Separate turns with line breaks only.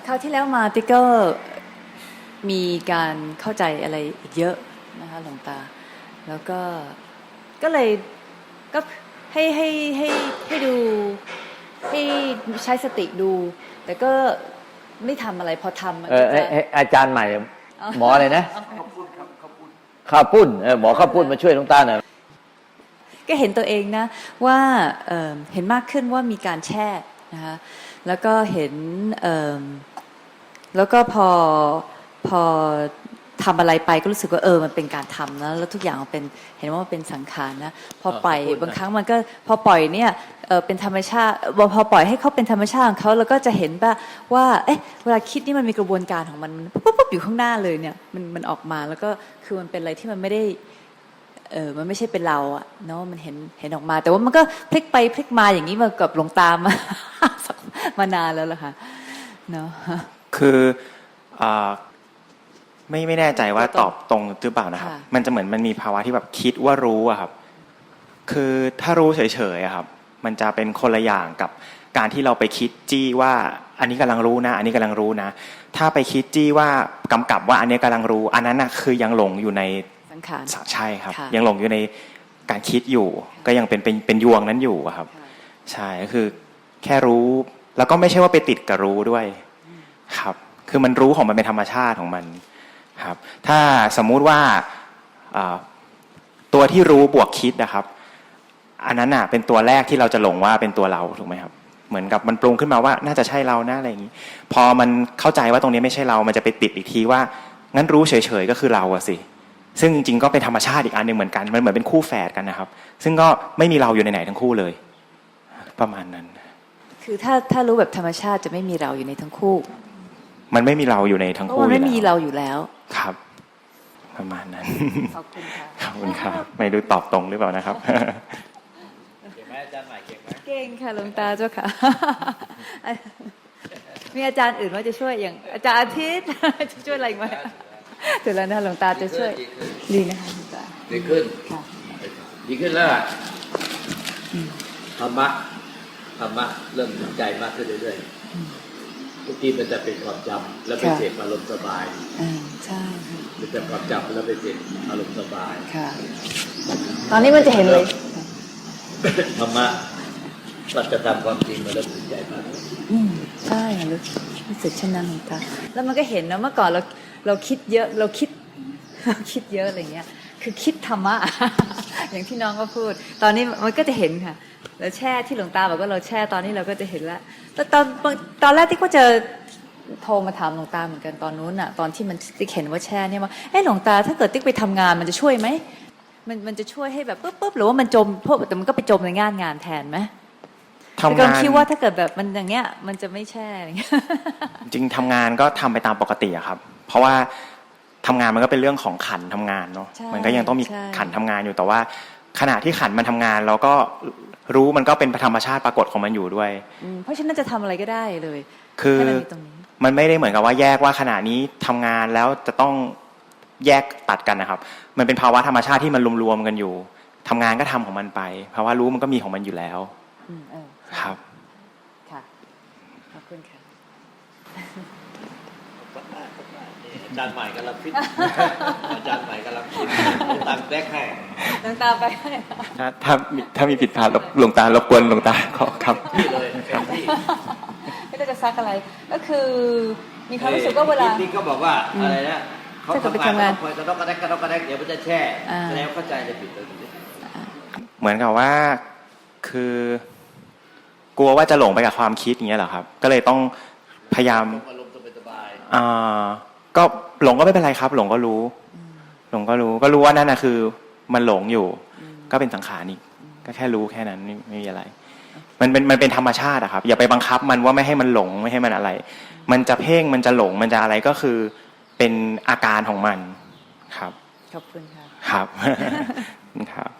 ราวที่แล้วมาติ๊กก็มีการเข้าใจอะไรอีกเยอะนะคะหลวงตาแล้วก็เลยก็ให้ดูให้ใช้สติดู แต่ก็ไม่ทำอะไรพอทำ
อาจารย์ใหม่หมออะไรนะข้าวปุ้นหมอข้าวปุ้นมาช่วยหลวงตาหน่อย
ก็เห็นตัวเองนะว่าเห็นมากขึ้นว่ามีการแช่นะคะแล้วก็เห็นแล้วก็พอทำอะไรไปก็รู้สึกว่ามันเป็นการทำนะแล้วทุกอย่างเป็นเห็นว่ามันเป็นสังขารนะพอปล่อยบางครั้งมันก็พอปล่อยเนี่ยเป็นธรรมชาติพอปล่อยให้เขาเป็นธรรมชาติของเขาแล้วก็จะเห็นว่าเวลาคิดนี่มันมีกระบวนการของมันปุ๊บอยู่ข้างหน้าเลยเนี่ยมันออกมาแล้วก็คือมันเป็นอะไรที่มันไม่ได้มันไม่ใช่เป็นเราอะเนาะมันเห็นออกมาแต่ว่ามันก็พลิกไปพลิกมาอย่างนี้มากับหลวงตามานานแล้วล่ะค่ะเนาะ
คือไม่แน่ใจว่าตอบตรงหรือเปล่านะครับมันจะเหมือนมันมีภาวะที่แบบคิดว่ารู้อะครับคือถ้ารู้เฉยๆอะครับมันจะเป็นคนละอย่างกับการที่เราไปคิดจี้ว่าอันนี้กำลังรู้นะอันนี้กำลังรู้นะถ้าไปคิดจี้ว่ากำกับว่าอันนี้กำลังรู้อันนั้นน่ะคือยังหลงอยู่ใน
สังขาร
ใช่ครับยังหลงอยู่ในการคิดอยู่ก็ยังเป็นยวงนั้นอยู่ครับใช่ก็คือแค่รู้แล้วก็ไม่ใช่ว่าไปติดกับรู้ด้วยครับคือมันรู้ของมันเป็นธรรมชาติของมันครับถ้าสมมุติว่าตัวที่รู้บวกคิดนะครับอันนั้นน่ะเป็นตัวแรกที่เราจะหลงว่าเป็นตัวเราถูกไหมครับเหมือนกับมันปรุงขึ้นมาว่าน่าจะใช่เรานะอะไรอย่างนี้พอมันเข้าใจว่าตรงนี้ไม่ใช่เรามันจะไปติดอีกทีว่างั้นรู้เฉยๆก็คือเราอะสิซึ่งจริงๆก็เป็นธรรมชาติอีกอันหนึ่งเหมือนกันมันเหมือนเป็นคู่แฝดกันนะครับซึ่งก็ไม่มีเราอยู่ในไหนทั้งคู่เลยประมาณนั้น
คือถ้ารู้แบบธรรมชาติจะไม่มีเราอยู่ในทั้งคู่
มันไม่มีเราอยู่ในทั้งคู่
มันไม่มีเราอยู่แล้ว
ครับประมาณนั้น
ขอบคุณค่ะ
ขอบคุณครับไม่รู้ตอบตรงหรือเปล่านะครับ
เก่งไหมอาจารย์ใหม่เก่งไหม
เก่งค่ะหลวงตาเจ้าค่ะมีอาจารย์อื่นว่าจะช่วยอย่างอาจารย์อาทิตย์จะช่วยอะไรไหมเดี๋ยวแล้วนะหลวงตาจะช่วยดีนะคะหลวงตา
ดีขึ้นดีขึ้นแล้วธรรมะเริ่มสนใจมากขึ้นเรื่อยๆทุกทีมันจะเป็นความจำแล้วไปเสพอารมณ์สบาย
ใช่
มันจะความจำแล้วไปเสพอารมณ์สบาย
ค่ะตอนนี้มันจะเห็นเลย
ธรรมะปัจจุบันความจริงมันเริ่มสนใจมาก
ใช่รู้สึกเช่นนั้นหลวงตาแล้วมันก็เห็นนะเมื่อก่อนเราคิดเยอะเราคิดเยอะอะไรเงี้ยคือคิดธรรมะอย่างที่น้องก็พูดตอนนี้มันก็จะเห็นค่ะเราแช่ที่หลวงตาบอกว่าเราแช่ตอนนี้เราก็จะเห็นแล้วแล้วตอนแรกที่ก็จะโทรมาถามหลวงตาเหมือนกันตอนนู้นอ่ะตอนที่มันติ๊กเห็นว่าแช่เนี่ยว่าหลวงตาถ้าเกิดติ๊กไปทำงานมันจะช่วยไหมมันจะช่วยให้แบบปุ๊บหรือว่ามันจมพวกแต่มันก็ไปจมในงานแทนไหมทำงานคิดว่าถ้าเกิดแบบมันอย่างเงี้ยมันจะไม่แช่
จริงทำงานก็ทำไปตามปกติอะครับเพราะว่าทำงานมันก็เป็นเรื่องของขันทำงานเนาะมันก็ยังต้องมีขันทำงานอยู่แต่ว่าขณะที่ขันมันทำงานเราก็รู้มันก็เป็นธรรมชาติปรากฏของมันอยู่ด้วย
เพราะฉะนั้นจะทำอะไรก็ได้เลย
คือมันไม่ได้เหมือนกับว่าแยกว่าขณะนี้ทำงานแล้วจะต้องแยกตัดกันนะครับมันเป็นภาวะธรรมชาติที่มันรวมๆกันอยู่ทำงานก็ทำของมันไปภาวะรู้มันก็มีของมันอยู่แล้วครับ
ค่ะขอบคุณค่ะ
อาจารย์ใหม่กำลังฟิตอาจารย์ใหม่กำลังฟิตตามแรกให้
หลวงตาไปให้
ถ้ามีผิดพลาดหลวงตารบกวนหลวงตาขอครับ
นี่เลยครับที่
ไม่ได้จะซักอะไรก็คือมีความรู้สึกว่าเวลา
ที่เขาบอกว่าอะไรนะเขาทำงานคอยกระดกกระแดกเดี๋ยวมันจะแช่แล้วเข้าใจจะผิดเลย
เหมือนกับว่าคือกลัวว่าจะหลงไปกับความคิดอย่างเงี้ยเหรอครับก็เลยต้องพยายามก็หลงก็ไม่เป็นไรครับหลงก็รู้ว่านั่นนะคือมันหลงอยู่ก็เป็นสังขารนี่ก็แค่รู้แค่นั้นไม่มีอะไรมันเป็นธรรมชาติอะครับอย่าไปบังคับมันว่าไม่ให้มันหลงไม่ให้มันอะไรมันจะเพ่งมันจะหลงมันจะอะไรก็คือเป็นอาการของมันครับ
ขอบคุณค่ะ
ครับครับ